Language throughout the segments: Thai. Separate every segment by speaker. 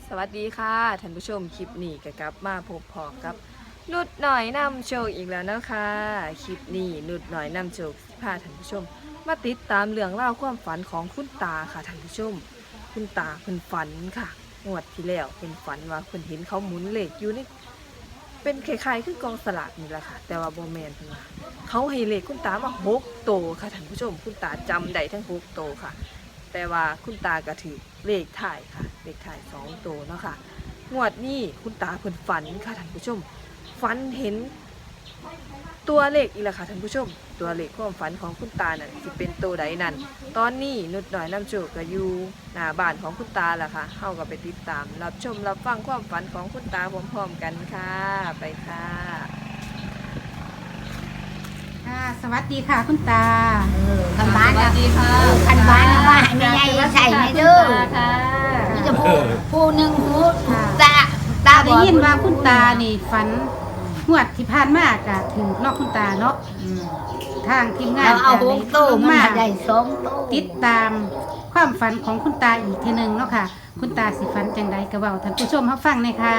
Speaker 1: สวัสดีค่ะท่านผู้ชมคลิปนี้ก็กลับมาพบพอกับนุดหน่อยนำโชคอีกแล้วนะคะคลิปนี้นุดหน่อยนำโชคพาท่านผู้ชมมาติดตามเรื่องเล่าความฝันของคุณตาค่ะท่านผู้ชมคุณตาเพิ่นฝันค่ะงวดที่แล้วเพิ่นฝันว่าเพิ่นเห็นเขาหมุนเลขอยู่ในเป็นคล้ายๆคือกองสลากนี่แหละค่ะแต่ว่าบ่แม่นเพิ่นว่าเขาให้เลขคุณตามา6โตวค่ะท่านผู้ชมคุณตาจำได้ทั้ง6โตวค่ะแต่ว่าคุณตากระถือเลขถ่ายค่ะเลขถ่าย2ตัวเนาะค่ะงวดนี้คุณตาเพิ่นฝันค่ะท่านผู้ชมฝันเห็นตัวเลขอีกแล้วค่ะท่านผู้ชมตัวเลขความฝันของคุณตานั่นสิเป็นตัวใดนั่นตอนนี้นุดหน่อยนำโชคก็อยู่หน้าบ้านของคุณตาล่ะค่ะเฮาก็ไปติดตามรับชมรับฟังความฝันของคุณตาพร้อมๆกันค่ะไปค่ะ
Speaker 2: ค่ะสวัสดีค่ะคุณตา
Speaker 3: คันบ้าน
Speaker 1: สวัสดีค่ะ
Speaker 3: คันบ้านว่าให้แม่ใหญ่ใส่ให้เด้อ
Speaker 2: ค่ะ
Speaker 3: นี่จะผู้หนึ่งหูตา
Speaker 2: ตาได้ยินว่าคุณตานี่ฝันงวดที่ผ่านมากะถึงนอกคุณตาเนาะทางทีมงาน
Speaker 3: เราเอาหกโต้
Speaker 2: ลง
Speaker 3: มา
Speaker 2: มา
Speaker 3: ได้สองโต้
Speaker 2: ติดตามความฝันของคุณตาอีกทีหนึ่งเนาะค่ะ คุณตาสิฝันจังใดกระเบาท่านผู้ชมเขาฟังเลยค่ะ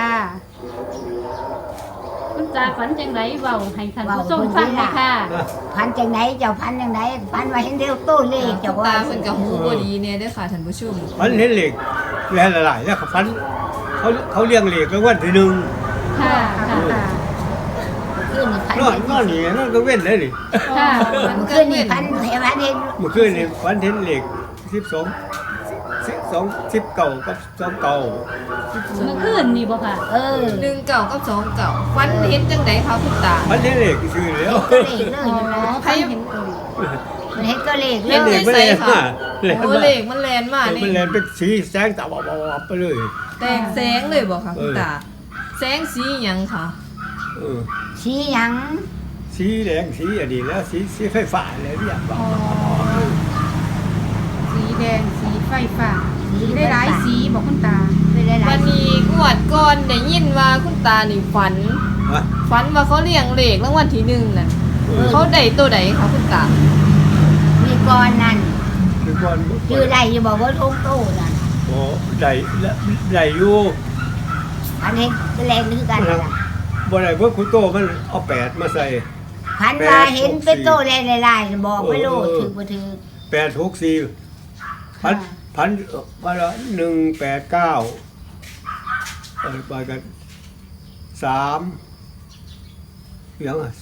Speaker 4: คุณตาฝันจังไรเบาให้ท่านผู้ชมฟังหน่อยค่ะ
Speaker 3: พันจังไหนเจ้าพันจังไหนพันว่าเห็นเดียวโต้เลข
Speaker 1: เจ้า
Speaker 3: เจ้า
Speaker 1: ตา
Speaker 3: ว่า
Speaker 1: เพิ่นกับหูบ่ดีเนี่ยเด้อค่ะท่านผู้ชม
Speaker 5: ฟันเห็นเหล็กแล่หลายๆแล้วเขาฟันเขาเลี้ยงเหล็กแล้ววันที่หนึ่ง
Speaker 4: ค่ะค่ะ
Speaker 3: ขึ้นนี่พัน
Speaker 5: นอนนอนนี่นอนก็เว้นเลยนี่
Speaker 4: ค่ะ
Speaker 3: ขึ้นนี่พันเห็นพันเห็น
Speaker 5: เมื่อคืนนี่ฟันเห็นเหล็ก10 เก่ากับ2 เก่า
Speaker 4: เมื่อคืนนี่บ่ค่ะ
Speaker 1: 1เก่ากับ2เก่าฝันเห็นจังไดคะคุณตา
Speaker 5: ฟันเห็นเหล็กชื่อแล้ว
Speaker 3: ตัวเลขเลยนะ
Speaker 1: ใคร
Speaker 3: มันเห็นตัวเลขเล
Speaker 5: เห็นเหล็
Speaker 3: ย
Speaker 5: กมันแล่นมาแล่น
Speaker 1: โอ้
Speaker 5: มา
Speaker 1: เลขมันแลนมานี่
Speaker 5: มันแล่นเป็นสีแสงตาวับไปเลย
Speaker 1: แตกแสงเลยบ่ค่ะคุณตา แสงสีหยังค่ะ
Speaker 5: เออ
Speaker 3: ชี้หยัง
Speaker 5: สีแดงสีอันนี้แล้วสีไฟฟ้าอะไรเนี่ยบอก
Speaker 2: สีแดงสีไฟฟ้าสีได้หลายสีบอกคุณตา
Speaker 3: เป็นหลา
Speaker 1: วั
Speaker 3: ย
Speaker 1: นนี้งวดก่อนได้ยินว่าคุณตานี่ฝัน
Speaker 5: ฮะ
Speaker 1: ฝันว่าเขาเลี้ยงเลขรางวัลที่1น่ะเขาได้ตัวใดคะคุณตา
Speaker 3: ๆมีก้อนนั่น
Speaker 5: คือก่อน
Speaker 3: ชื่อได้อยู่บอกว่าทุกโต้นั่น
Speaker 5: โอ้ได้อยู่
Speaker 3: พันเห็นเป็นแรงนึกกันล่ะ
Speaker 5: บ่ได้เพิ่นคุณโตมันเอา8มาใส่
Speaker 3: พันว่าเห็นเป็นโต้แรงลายๆบอกไม่รู้ถือบ่ถือ
Speaker 5: 864พันว่าละ189ไปกัน3ยังอ่ะ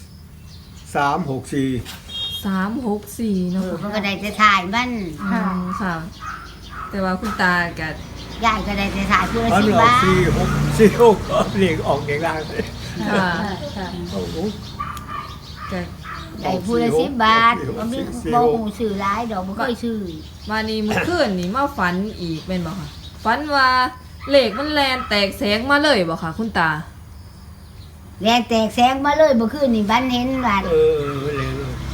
Speaker 5: 364
Speaker 1: 364เนาะ
Speaker 3: มันก็ได้แต่ถ่ายมัน
Speaker 1: ค่ะ แต่ว่าคุณตาก็
Speaker 3: ยายก็ได้แต่ถ่ายผู้ละ
Speaker 5: พัน
Speaker 3: 10
Speaker 5: ออก
Speaker 3: บาท
Speaker 5: 46เรียกออกเด็กล่างเลย
Speaker 1: ค่ะ
Speaker 4: ค่ะ
Speaker 5: โอ้โห
Speaker 1: ก็
Speaker 3: ได้ผู้ละ10 บาทบ่มีบ่ฮู้ชื่อหลายดอกบ่เคยชื่อ
Speaker 1: วันนี้มื้อคืนนี่มาฝันอีกแม่นบ่ค่ะฝันว่าเลขมันแลนแตกแสงมาเลยบ่ค่ะคุณตา
Speaker 3: แรงแตกแสงมาเลยเมื่อคืนนี่บันเห็นว่า
Speaker 5: เออเลย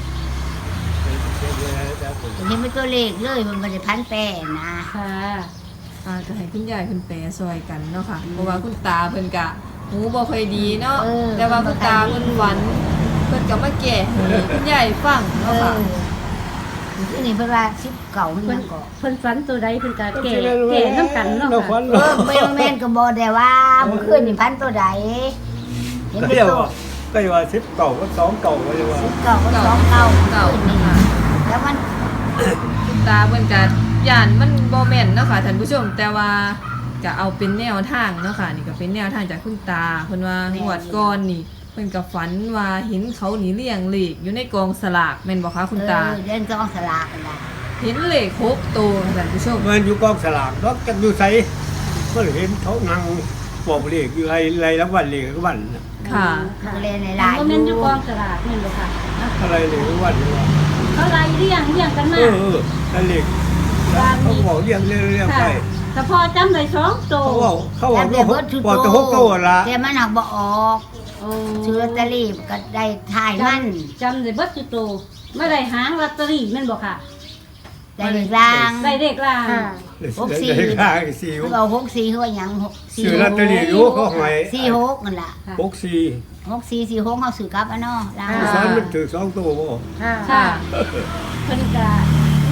Speaker 3: เห็นเป็นตัวเลขเลยมันบ่ได้พันแปรนะ
Speaker 4: ค่ะ
Speaker 1: ก็ให้คุณยายเพิ่นแปลซอยกันเนาะค่ะเพราะว่าคุณตาเพิ่นก็หูบ่ค่อยดีเนาะแต่ว่าคุณตาเพิ่นฝันเพิ่นก็มาแก้ให้คุณยายฟัง
Speaker 3: เอ
Speaker 1: เนาะ
Speaker 3: อ
Speaker 1: ค่ะ
Speaker 3: คือนี่เพิ่นว่า10เก่ามัน
Speaker 4: เพิ่
Speaker 3: ยั
Speaker 4: น
Speaker 3: งเก็
Speaker 4: เพิ่นฝันตัวใดเพิ่นก็แก่น้ำกันเนาะค่ะ
Speaker 3: แม่นก็บ่ได้ว่าเมื่อคืนนี่พันตัวใดเห็น
Speaker 5: ก็
Speaker 3: เป็น
Speaker 5: เรียก
Speaker 3: ตัว
Speaker 5: ว่าก็เรียกว่า10 เก่าก็2 เก่าก็เรียกว่า
Speaker 3: 10เก่าก็2เก่า
Speaker 1: เก่า
Speaker 3: นี่
Speaker 1: ค่ะ
Speaker 3: แล้วมัน
Speaker 1: คุณตาเพิ่นก็ย่านมันบ่แม่นเนาะค่ะท่านผู้ชม แต่ว่าก็เอาเป็นแนวทางเนาะค่ะนี่ก็เป็นแนวทางจากคุณตาเพิ่นว่างวดก่อนนี่เพิ่นก็ฝันว่าเห็นเขานี่เลี้ยงเลขอยู่ในกองสลากแม่นบ่คะคุณตา
Speaker 3: เล่นกองสลากกันล่ะ
Speaker 1: เห็นเลข6ตัวค่ะท่านผู้ชม
Speaker 5: มันอยู่กองสลากนอกจากอยู่ไสก็เห็นเขานั่งบอกเลขอยู่ไรรางวัลเลขรางวัล
Speaker 1: ค่ะ
Speaker 3: มันเล่นใน
Speaker 4: ห
Speaker 3: ลาย
Speaker 4: บ่แม่นอยู่กองสลากแม่นบ่ค่ะ
Speaker 5: อะไรเลขรางวัลว่า
Speaker 4: เขาไล่เรียงกันมา
Speaker 5: นั่นเลขเขาบอกเรียงไป
Speaker 4: ค่ะแต่พอจำได้2โต
Speaker 5: เขาบอกบอกจะ6 ตัวละ
Speaker 3: แต่มันหักบ่ออก
Speaker 4: โอ้
Speaker 3: ซื้อลอตเตอรี่ก็ได้ถ่ายมัน
Speaker 4: จำได้เบิดจุโตไม่ได้หางลอตเตอรี่แม่นบ่ค่ะ
Speaker 3: ได้เลขลาง
Speaker 4: ได้เลขล่าง
Speaker 2: ค่ะ
Speaker 5: เลขข้างสี่
Speaker 3: เขาเอา64เขาว่าหยัง6
Speaker 5: ซื้อลอตเตอรี่อยู่เขาหอย
Speaker 3: 46นั่นล่ะ
Speaker 5: 64
Speaker 3: 6446เฮาซื้อกลับอ่ะเนาะลาง
Speaker 5: สอนมันถือ2 ตัวบ่
Speaker 2: ค่ะ
Speaker 4: ค่ะเพิ่นก็ม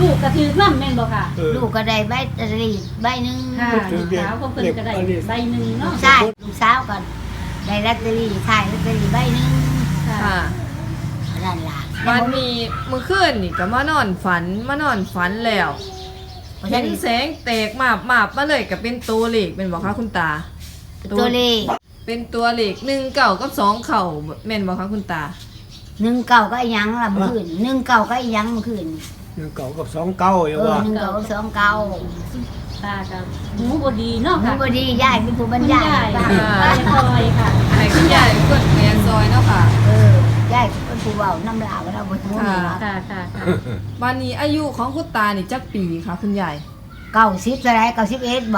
Speaker 4: ลูกกระถือน้ำแม่นบ่ค่ะ
Speaker 3: ลูกก็ได้ใบตะลีใบหนึง
Speaker 4: ค่ะลูกสาวก็เพิ่นก็ได้ใบหนึ่งเนาะ
Speaker 3: ใช่ลูกสาวก็ได้ลอตเตอรี่ขายลอตเตอรี่ใบหนึง
Speaker 1: ค่ะ
Speaker 3: นั่นล่ะ
Speaker 1: วันนี้เมื่อคืนนี่ก็มานอนฝันแล้วเห็นแสงแตกมาบมาเลยก็เป็นตัวเลขเป็นบ่คะคุณตา
Speaker 3: ตัวเลข
Speaker 1: เป็นตัวเลข1 เก่ากับ2 เข่าแม่นบ่คะคุณตา
Speaker 3: 1 เก่าก็อีหยังล่ะเมื่อคืน1 เก่าก็อีหยังเมื่อคืน
Speaker 5: 1 เก่ากับ2 เก่าอยู่ว่า
Speaker 3: 1 เก่ากับ2 เก่า
Speaker 4: ตากับหูบ่ดีเนาะ
Speaker 3: หนู
Speaker 4: ค่ะ
Speaker 3: บ่ดียายเป็นผู้บรรยายให้ฟัง
Speaker 4: ตาคอยค่ะ
Speaker 1: ให้คุณยายเป็นคนเรียนซอยเนาะค่ะ
Speaker 3: ยายเป็นผู้เว้าน้ำลาวเราบ่ฮู้
Speaker 1: ค่ะ
Speaker 4: ค่ะค่ะค่ะ
Speaker 1: วันนี้อายุของคุณตานี่จักปีคะคุณยาย
Speaker 3: 90เท่าไหร่91บ่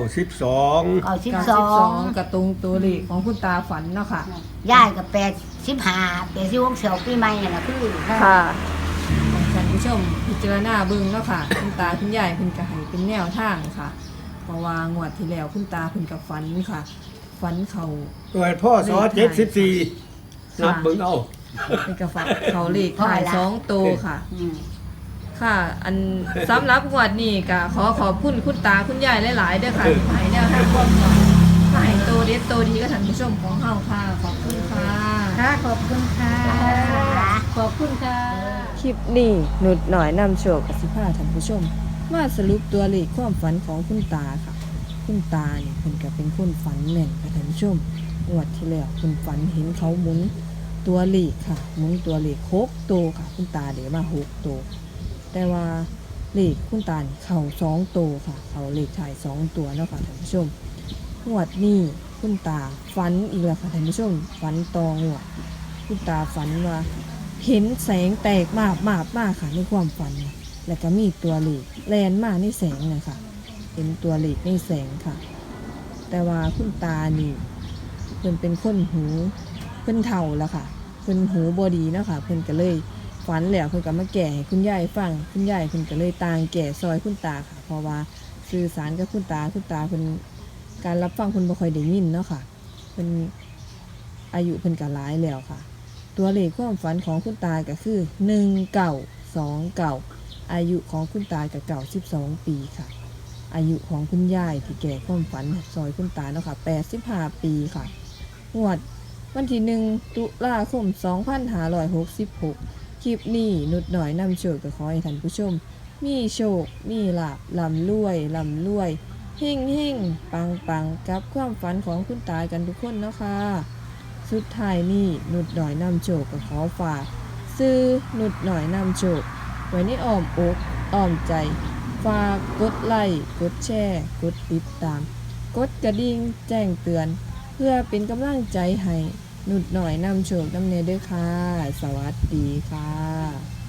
Speaker 5: 92
Speaker 3: 92
Speaker 1: กระตรงตัวเลขของคุณตาฝันเนาะค่ะ
Speaker 3: ยายก็85 86เสียวปีใหม่นั่นล่ะคือ
Speaker 1: ค่ะท่านผู้ชมพิจารณาเบิ่งเนาะค่ะ คุณตาคุณยายเพิ่นก็ให้เป็นแนวทางค่ะ เพราะว่างวดที่แล้วคุณตาเพิ่นก็ฝันค่ะ ฝันเขา
Speaker 5: เกิดพ่อส74นับเบิ่งเอา
Speaker 1: เพิ่นก็ฝันเขาเลขถ่าย2ตัวค่ะ
Speaker 2: อืม
Speaker 1: ค่ะ อันสำหรับงวดนี้ก็ขอขอบคุณคุณตาคุณยายหลายๆเด้อค่ะที่ให้แนวทางความฝันให้ตัวเด็ดตัวดีกับท่านผู้ชมของเฮาค่ะ ขอบคุณค่ะ
Speaker 2: ค่ะขอบคุณค่ะ
Speaker 4: ขอบคุณค่ะ
Speaker 1: คลิปนี้หนุดหน่อยนำโชคกับสิพาท่านผู้ชม มาสรุปตัวเลขความฝันของคุณตาค่ะ คุณตาเนี่ยเพิ่นก็เป็นคนฝันแม่นค่ะท่านผู้ชมงวดที่แล้วคุณฝันเห็นเขาหมุนตัวเลขค่ะหมุนตัวเลข6ตัวค่ะ คุณตาเดี๋ยวมา6ตัวแต่ว่าเลขคุณตานี่เข้า2ตัวค่ะ เขาเลขถ่าย2ตัวเนาะค่ะท่านผู้ชมงวดนี้คุณตาฝันอีกแล้วค่ะท่านผู้ชมฝันตองวดคุณตาฝันว่า เห็นแสงแตกมากค่ะในความฝันน่ะแล้วก็มีตัวเลขแลนมาในแสงเลยค่ะเห็นตัวเลขในแสงค่ะ แต่ว่าคุณตานี่เพิ่นเป็นคนหูเพิ่นเฒ่าแล้วค่ะเพิ่นหูบ่ดีเนาะค่ะเพิ่นก็เลยฝันแล้วเพิ่นก็มาแก่ให้คุณยายฟังคุณยายเพิ่นก็เลยต่างแก่ซอยคุณตาค่ะ เพราะว่าสื่อสารกับคุณตาเพิ่นการรับฟังเพิ่นบ่ค่อยได้ยินเนาะค่ะเพิ่นอายุเพิ่นก็หลายแล้วค่ะ ตัวเลขความฝันของคุณตาก็คือ1929อายุของคุณตากับ92ปีค่ะ อายุของคุณยายที่แก่ความฝันซอยคุณตาเนาะค่ะ85ปีค่ะงวดวันที่1 ตุลาคม 2566 คลิปนี้นุดหน่อยนำโชคก็ขอให้ท่านผู้ชม มีโชค มีลาภลำรวยเฮ่งปังกับความฝันของคุณตากันทุกคนเนาะค่ะ สุดท้ายนี่นุดหน่อยนำโชคก็ขอฝากซื้อนุดหน่อยนำโชคไว้ในอ้อมอกอ้อมใจ ฝากกดไลค์กดแชร์กดติดตาม กดกระดิ่งแจ้งเตือน เพื่อเป็นกำลังใจให้นุดหน่อยนำโชคนำเนเด้อค่ะ สวัสดีค่ะ